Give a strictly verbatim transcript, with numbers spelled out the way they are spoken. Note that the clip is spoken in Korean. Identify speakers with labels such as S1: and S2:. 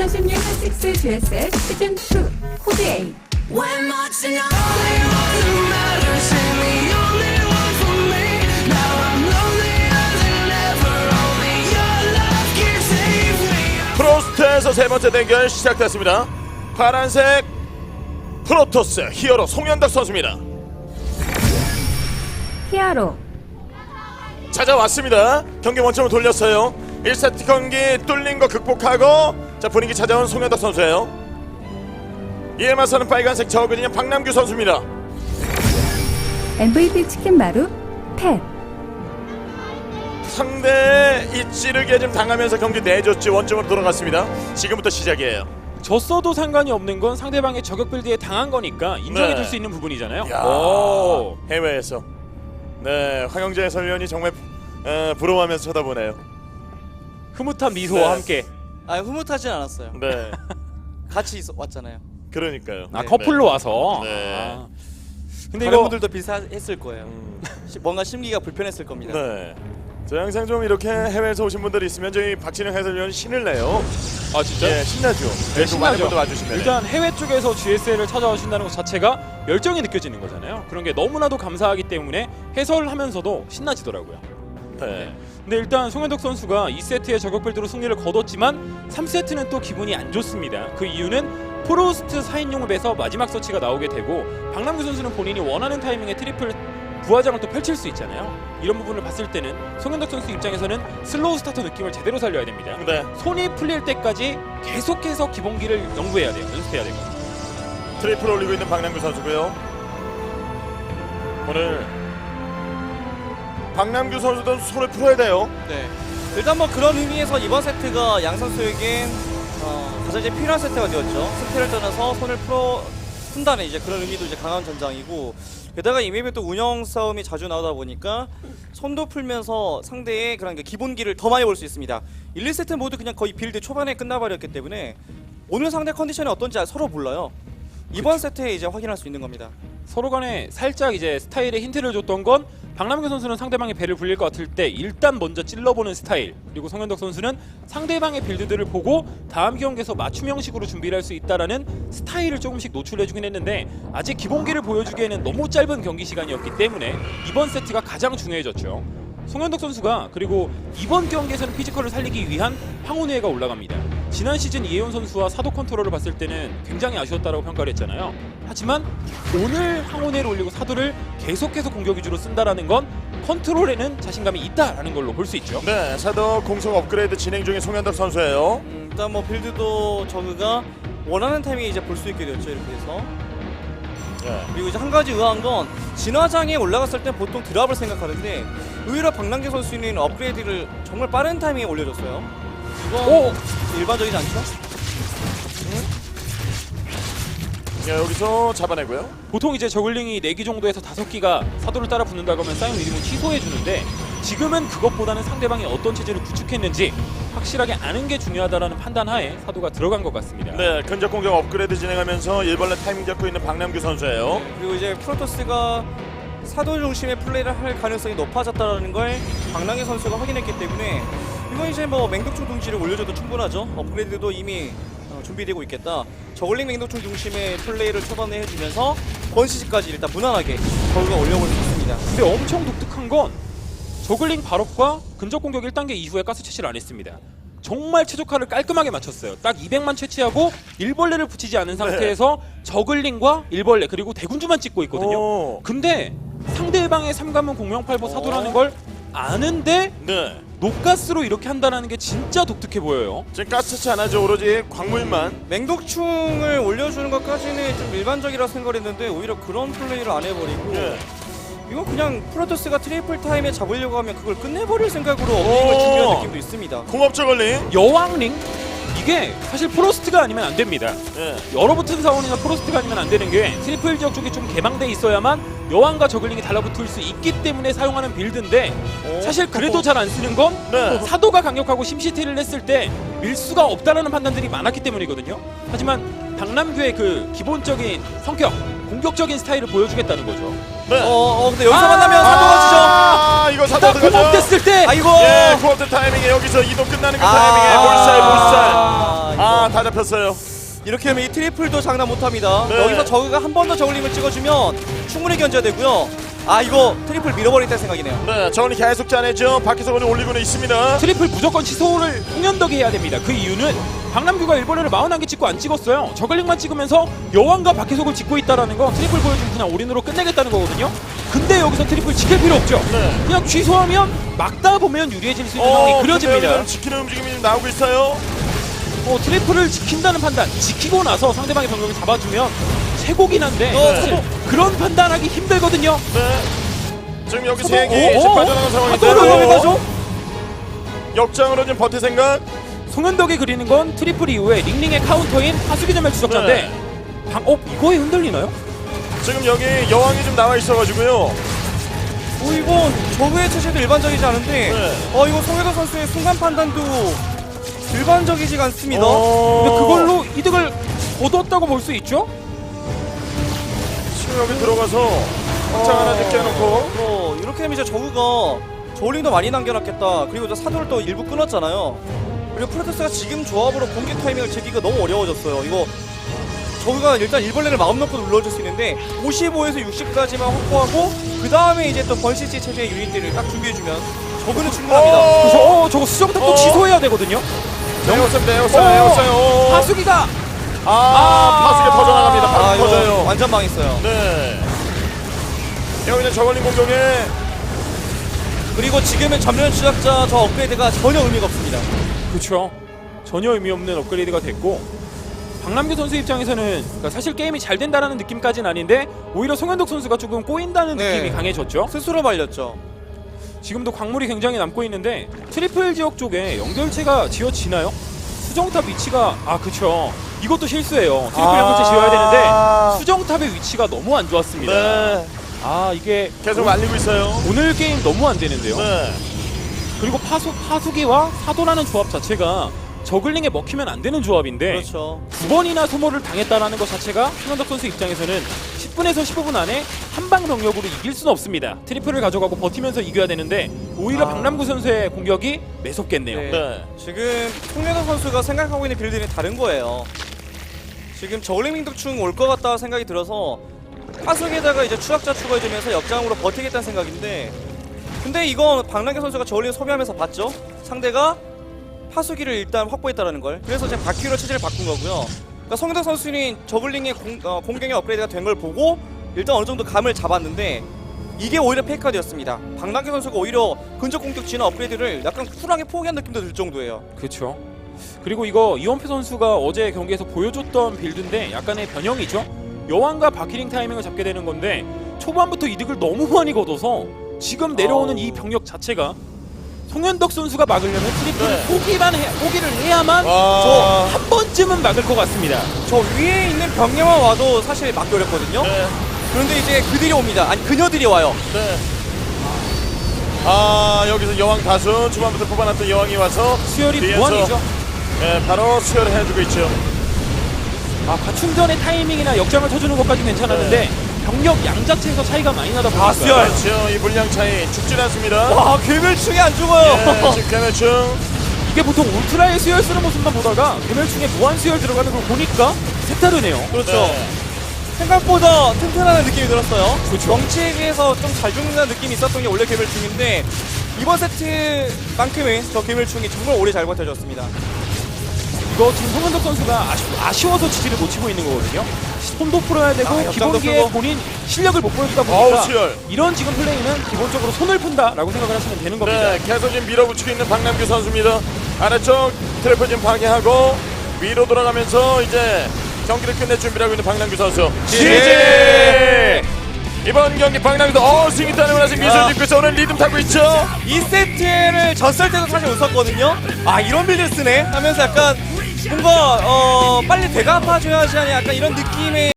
S1: 이천십육 한식스 듀에셋 시즌 투 코드 A.
S2: When much and only one who matters and the only one for me. Now I'm lonelier than ever. Only your love can save me.
S3: 프로스트에서 세 번째 대결 시작됐습니다. 파란색 프로토스 히어로 송현덕 선수입니다.
S1: 히아로.
S3: 찾아왔습니다. 경기 원점을 돌렸어요. 일 세트 경기 뚫린 거 극복하고 자 분위기 찾아온 송현덕 선수예요. 이에 맞서는 빨간색 저그진의 박남규 선수입니다.
S1: 엠브이피 치킨 마루 팻.
S3: 상대의 이 찌르기에 좀 당하면서 경기 내줬지 원점으로 돌아갔습니다. 지금부터 시작이에요.
S4: 졌어도 상관이 없는 건 상대방의 저격 빌드에 당한 거니까 인정해줄
S3: 네.
S4: 수 있는 부분이잖아요.
S3: 야,
S4: 오.
S3: 해외에서 네 황영재 해설위원이 정말 에, 부러워하면서 쳐다보네요.
S4: 흐뭇한 미소와
S3: 네.
S4: 함께.
S5: 아 흐뭇하진 않았어요.
S3: 네,
S5: 같이 있, 왔잖아요.
S3: 그러니까요.
S4: 아
S5: 네.
S4: 커플로 와서.
S3: 네.
S4: 아. 근데
S5: 다른
S4: 이거
S5: 분들도 비슷했을 거예요.
S3: 음,
S5: 시- 뭔가 심리가 불편했을 겁니다.
S3: 네. 저 항상 좀 이렇게 해외에서 오신 분들이 있으면 저희 박진영 해설위원이 신을 내요.
S4: 아 진짜?
S3: 예, 신나죠.
S4: 네,
S3: 좀 많은
S4: 신나죠.
S3: 분들 와주시면.
S4: 일단 해외 쪽에서 지에스엘을 찾아오신다는 것 자체가 열정이 느껴지는 거잖아요. 그런 게 너무나도 감사하기 때문에 해설하면서도 신나지더라고요.
S3: 네.
S4: 근데 일단 송현덕 선수가 이 세트의 저격 빌드로 승리를 거뒀지만 삼 세트는 또 기분이 안 좋습니다. 그 이유는 프로스트 사 인용을 빼서 마지막 서치가 나오게 되고 박남규 선수는 본인이 원하는 타이밍에 트리플 부하장을 또 펼칠 수 있잖아요. 이런 부분을 봤을 때는 송현덕 선수 입장에서는 슬로우 스타터 느낌을 제대로 살려야 됩니다.
S3: 네.
S4: 손이 풀릴 때까지 계속해서 기본기를 연구해야 돼요. 연습해야 되고.
S3: 트리플 올리고 있는 박남규 선수고요. 오늘 박남규 선수도 손을 풀어야 돼요.
S5: 네. 일단 뭐 그런 의미에서 이번 세트가 양 선수에겐 어, 가장 이제 필요한 세트가 되었죠. 승패를 떠나서 손을 풀어 푼다는 이제 그런 의미도 이제 강한 전장이고 게다가 이 맵에 또 운영 싸움이 자주 나오다 보니까 손도 풀면서 상대의 그런 게 기본기를 더 많이 볼 수 있습니다. 일, 이 세트 모두 그냥 거의 빌드 초반에 끝나버렸기 때문에 오늘 상대 컨디션이 어떤지 서로 몰라요. 이번 세트에 이제 확인할 수 있는 겁니다.
S4: 서로 간에 살짝 이제 스타일에 힌트를 줬던 건 박남규 선수는 상대방의 배를 불릴 것 같을 때 일단 먼저 찔러보는 스타일, 그리고 송현덕 선수는 상대방의 빌드들을 보고 다음 경기에서 맞춤 형식으로 준비를 할 수 있다라는 스타일을 조금씩 노출해주긴 했는데 아직 기본기를 보여주기에는 너무 짧은 경기 시간이었기 때문에 이번 세트가 가장 중요해졌죠. 송현덕 선수가 그리고 이번 경기에서는 피지컬을 살리기 위한 황혼회가 올라갑니다. 지난 시즌 이혜원 선수와 사도 컨트롤을 봤을 때는 굉장히 아쉬웠다라고 평가를 했잖아요. 하지만 오늘 황혼회를 올리고 사도를 계속해서 공격 위주로 쓴다라는 건 컨트롤에는 자신감이 있다라는 걸로 볼 수 있죠.
S3: 네, 사도 공속 업그레이드 진행 중인 송현덕 선수예요.
S5: 음, 일단 뭐 빌드도 저그가 원하는 타이밍에 이제 볼 수 있게 되었죠. 이렇게 해서.
S3: 네.
S5: 그리고 이제 한 가지 의아한 건 진화장에 올라갔을 때 보통 드랍을 생각하는데 의외로 박남규 선수는 업그레이드를 정말 빠른 타이밍에 올려줬어요. 이건
S4: 오!
S5: 일반적이지 않죠?
S3: 네, 여기서 잡아내고요.
S4: 보통 이제 저글링이 네 기 정도에서 다섯 기가 사도를 따라 붙는다고 하면 싸움 이름은 취소해주는데 지금은 그것보다는 상대방이 어떤 체제를 구축했는지 확실하게 아는 게 중요하다라는 판단하에 사도가 들어간 것 같습니다.
S3: 네, 근접 공격 업그레이드 진행하면서 일벌레 타이밍 잡고 있는 박남규 선수예요.
S5: 그리고 이제 프로토스가 사도 중심의 플레이를 할 가능성이 높아졌다는 걸 박남규 선수가 확인했기 때문에 이건 이제 뭐 맹독충 둥지를 올려줘도 충분하죠. 업그레이드도 이미 어, 준비되고 있겠다. 저글링 맹독충 중심의 플레이를 초반에 해주면서 번시지까지 일단 무난하게 저그가 올려볼 수 있습니다.
S4: 근데 엄청 독특한 건 저글링 발업과 근접 공격 일 단계 이후에 가스 채취를 안 했습니다. 정말 최적화를 깔끔하게 맞췄어요. 딱 이백만 채취하고 일벌레를 붙이지 않은 상태에서 저글링과 일벌레 그리고 대군주만 찍고 있거든요.
S3: 오.
S4: 근데 상대방의 삼관문 공명팔보 사도라는 걸 아는데
S3: 네.
S4: 녹가스로 이렇게 한다는 게 진짜 독특해 보여요.
S3: 지금 가스치 안 하죠. 오로지 광물만.
S5: 맹독충을 올려주는 것까지는 좀 일반적이라 생각했는데 오히려 그런 플레이를 안 해버리고
S3: 네.
S5: 이건 그냥 프로토스가 트리플 타임에 잡으려고 하면 그걸 끝내버릴 생각으로 업링을 준비한 느낌도 있습니다.
S3: 공업 저글링.
S4: 여왕링? 이게 사실 프로스트가 아니면 안 됩니다.
S3: 네.
S4: 얼어붙은 사원이나 프로스트가 아니면 안 되는 게 트리플 지역 쪽이 좀 개방돼 있어야만 여왕과 저글링이 달라붙을 수 있기 때문에 사용하는 빌드인데
S3: 오.
S4: 사실 그래도 잘 안 쓰는 건
S3: 네.
S4: 사도가 강력하고 심시티를 했을 때 밀수가 없다라는 판단들이 많았기 때문이거든요. 하지만 박남규의 그 기본적인 성격, 공격적인 스타일을 보여주겠다는 거죠.
S3: 네.
S5: 어, 어 근데 여기서
S4: 아!
S5: 만나면 사도가 지죠.
S3: 아, 이거 사도
S4: 딱
S3: 들어가죠.
S4: 공업됐을 때
S5: 아이고.
S3: 예, 코업된 타이밍에 여기서 이동 끝나는 그
S5: 아.
S3: 타이밍에 몰살 몰살.
S5: 아,
S3: 아,
S5: 이거.
S3: 다 잡혔어요.
S5: 이렇게 하면 이 트리플도 장난 못합니다.
S3: 네.
S5: 여기서 저그가 한 번 더 저글링을 찍어주면 충분히 견제가 되고요. 아 이거 트리플 밀어버리겠다는 생각이네요.
S3: 네, 저원이 계속 짜내죠. 밖에서 오늘 올리고는 있습니다.
S4: 트리플 무조건 취소를 홍현덕이 해야 됩니다. 그 이유는 박남규가 일본어를 사십일 개 찍고 안 찍었어요. 저글링만 찍으면서 여왕과 박혜석을 찍고 있다는 건 트리플 보여주면 그냥 올인으로 끝내겠다는 거거든요. 근데 여기서 트리플 지킬 필요 없죠.
S3: 네.
S4: 그냥 취소하면 막다 보면 유리해질 수 있는 상황이 그려집니다.
S3: 지키는 움직임이 좀 나오고 있어요.
S4: 어, 트리플을 지킨다는 판단, 지키고 나서 상대방의 병력을 잡아주면 최고긴 한데
S5: 어,
S4: 사실
S5: 네.
S4: 그런 판단하기 힘들거든요.
S3: 네. 지금 여기
S4: 어,
S3: 세 개
S4: 어,
S3: 이제
S4: 어?
S3: 빠져나간
S4: 아,
S3: 상황인데
S4: 또 올라가죠?
S3: 역장으로 좀 버틸 생각.
S4: 송현덕이 그리는 건 트리플 이후에 링링의 카운터인 하수기 전멸 추적자인데
S3: 네.
S4: 방, 어? 이거에 흔들리나요?
S3: 지금 여기 여왕이 좀 나와 있어가지고요.
S5: 오 이건 저그의 체제도 일반적이지 않은데
S3: 네.
S5: 어 이거 송혜도 선수의 순간 판단도 일반적이지가 않습니다.
S3: 어...
S4: 근데 그걸로 이득을 얻었다고 볼 수 있죠?
S3: 지금 여기 들어가서 확장 하나 느껴놓고
S5: 어, 이렇게 되면 이제 저그가 저울링도 많이 남겨놨겠다. 그리고 이제 사도를 또 일부 끊었잖아요. 그리고 프로토스가 지금 조합으로 공격 타이밍을 재기가 너무 어려워졌어요. 이거 저그가 일단 일벌레를 마음 놓고 눌러줄 수 있는데 오십오에서 육십까지만 확보하고 그 다음에 이제 또 번시지 체제의 유닛들을 딱 준비해주면 저그는 충분합니다.
S3: 어!
S4: 그래서 어, 저거 수정탑 또
S3: 어.
S4: 취소해야 되거든요?
S3: 내었어요 내었어요
S4: 어.
S3: 내었어요.
S4: 하수기가!
S3: 아,
S4: 아.
S3: 파수기 터져나갑니다.
S5: 아,
S3: 바로
S5: 이거
S3: 터져요.
S5: 완전 망했어요.
S3: 네. 여기는 저걸린 공격에
S5: 그리고 지금은 전면 추적자 저 업그레이드가 전혀 의미가 없습니다.
S4: 그렇죠. 전혀 의미 없는 업그레이드가 됐고 박남규 선수 입장에서는 그러니까 사실 게임이 잘 된다라는 느낌까지는 아닌데 오히려 송현덕 선수가 조금 꼬인다는
S5: 네.
S4: 느낌이 강해졌죠.
S5: 스스로 말렸죠.
S4: 지금도 광물이 굉장히 남고 있는데 트리플 지역 쪽에 연결체가 지어지나요? 수정탑 위치가 아 그쵸 이것도 실수예요. 트리플
S3: 아.
S4: 연결체 지어야 되는데 수정탑의 위치가 너무 안 좋았습니다.
S3: 네.
S4: 아 이게
S3: 계속 말리고 있어요.
S4: 오늘 게임 너무 안 되는데요.
S3: 네.
S4: 그리고 파수, 파수기와 사도라는 조합 자체가 저글링에 먹히면 안 되는 조합인데
S5: 그렇죠.
S4: 두 번이나 소모를 당했다라는 것 자체가 송현덕 선수 입장에서는 십 분에서 십오 분 안에 한방 병력으로 이길 수는 없습니다. 트리플을 가져가고 버티면서 이겨야 되는데 오히려
S5: 아.
S4: 박남구 선수의 공격이 매섭겠네요.
S5: 네.
S3: 네.
S5: 지금 송현덕 선수가 생각하고 있는 빌드는 다른 거예요. 지금 저울링 민덕충 올 것 같다 생각이 들어서 파수기에다가 이제 추락자 추가해주면서 역장으로 버티겠다는 생각인데 근데 이건 박남규 선수가 저울링 소비하면서 봤죠? 상대가 파수기를 일단 확보했다는 걸. 그래서 지금 바퀴로 체제를 바꾼 거고요. 그러니까 송현덕 선수는 저글링의 공, 어, 공격의 업그레이드가 된 걸 보고 일단 어느 정도 감을 잡았는데 이게 오히려 페이크였습니다. 박남규 선수가 오히려 근접 공격 진화 업그레이드를 약간 쿨하게 포기한 느낌도 들 정도예요.
S4: 그렇죠. 그리고 이거 이원표 선수가 어제 경기에서 보여줬던 빌드인데 약간의 변형이죠. 여왕과 바퀴링 타이밍을 잡게 되는 건데 초반부터 이득을 너무 많이 거둬서 지금 내려오는
S5: 어.
S4: 이 병력 자체가 송현덕 선수가 막으려면 트리플을
S5: 네.
S4: 포기만 해, 포기를 해야만
S3: 와.
S4: 저 한 번쯤은 막을 것 같습니다.
S5: 저 위에 있는 병력만 와도 사실 막기 어렵거든요.
S3: 네.
S5: 그런데 이제 그들이 옵니다. 아니 그녀들이 와요.
S3: 네. 아, 여기서 여왕 다수 초반부터 뽑아놨던 여왕이 와서
S4: 수혈이
S3: 뒤에서,
S4: 무한이죠.
S3: 네, 바로 수혈을 해주고 있죠.
S4: 아, 과충전의 타이밍이나 역장을 쳐주는 것까지 괜찮았는데 병력 양 자체에서 차이가 많이 나다 보니까
S5: 아, 수혈.
S3: 그렇죠. 이 물량 차이 죽진 않습니다.
S5: 와 괴멸충이 안 죽어요.
S3: 예, 지금 개매충.
S4: 이게 보통 울트라의 수혈 쓰는 모습만 보다가 괴멸충에 무한 수혈 들어가는 걸 보니까 색다르네요.
S5: 그렇죠.
S3: 네.
S5: 생각보다 튼튼하다는 느낌이 들었어요.
S4: 그렇죠.
S5: 정치에 비해서 좀 잘 죽는다는 느낌이 있었던 게 원래 괴멸충인데 이번 세트만큼은 저 괴멸충이 정말 오래 잘 버텨줬습니다.
S4: 이거 지금 송현덕 선수가 아쉬, 아쉬워서 지지를 못 치고 있는 거거든요. 손도 풀어야 되고
S5: 아, 역장도
S4: 기본기에
S5: 풀고.
S4: 본인 실력을 못 보여주다
S3: 어우,
S4: 보니까
S3: 수혈.
S4: 이런 지금 플레이는 기본적으로 손을 푼다라고 생각을 하시면 되는 겁니다.
S3: 네, 계속 지금 밀어붙이고 있는 박남규 선수입니다. 아래쪽 트래프 지금 파괴하고 위로 돌아가면서 이제 경기를 끝낼 준비를 하고 있는 박남규 선수. 지지! 이번 경기 박남규도 어 스윙이 따내고 나서 미소를
S5: 아.
S3: 짓고 있어. 오늘 리듬 타고 있죠.
S5: 이 세트를 졌을 때도 사실 웃었거든요. 아 이런 빌드 쓰네 하면서 약간 뭔가 어 빨리 대갚아줘야지 하는 약간 이런 느낌의